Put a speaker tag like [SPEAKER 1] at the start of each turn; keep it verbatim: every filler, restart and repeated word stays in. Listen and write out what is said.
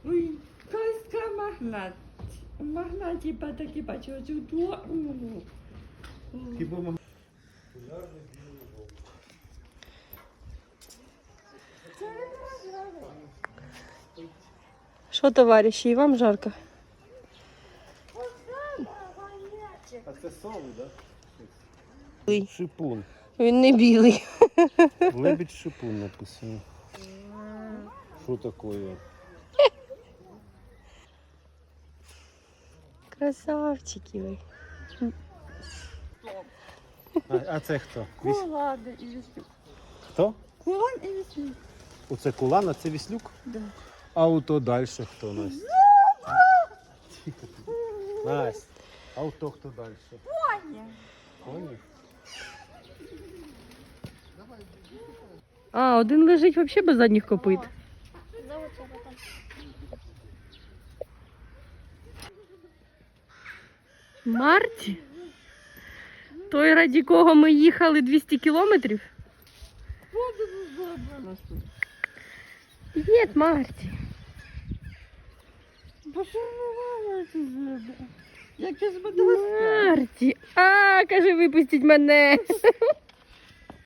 [SPEAKER 1] Ой, казка магнат. Магнат, типа такі бачу, оцю ту.
[SPEAKER 2] Хіба маг...
[SPEAKER 3] Що, товариші, і вам жарко?
[SPEAKER 2] А це сови, так?
[SPEAKER 3] Білий.
[SPEAKER 2] Шипун.
[SPEAKER 3] Він не білий.
[SPEAKER 2] Лебідь шипун написано. Що таке?
[SPEAKER 3] Красавчики ви.
[SPEAKER 2] А, а це хто? Віс...
[SPEAKER 1] Кулан і віслюк.
[SPEAKER 2] Хто?
[SPEAKER 1] Кулан і віслюк.
[SPEAKER 2] Оце кулан, а це віслюк?
[SPEAKER 1] Да.
[SPEAKER 2] А ото далі хто, Настя? Настя, а ото хто далі?
[SPEAKER 1] Поні.
[SPEAKER 2] Коні?
[SPEAKER 3] А, один лежить взагалі без задніх копит. Марті? Той, раді кого ми їхали двісті кілометрів? Ні, Марті.
[SPEAKER 1] Пошарувала ці зуби. Як я збудила.
[SPEAKER 3] Марті. А, каже, випустіть мене.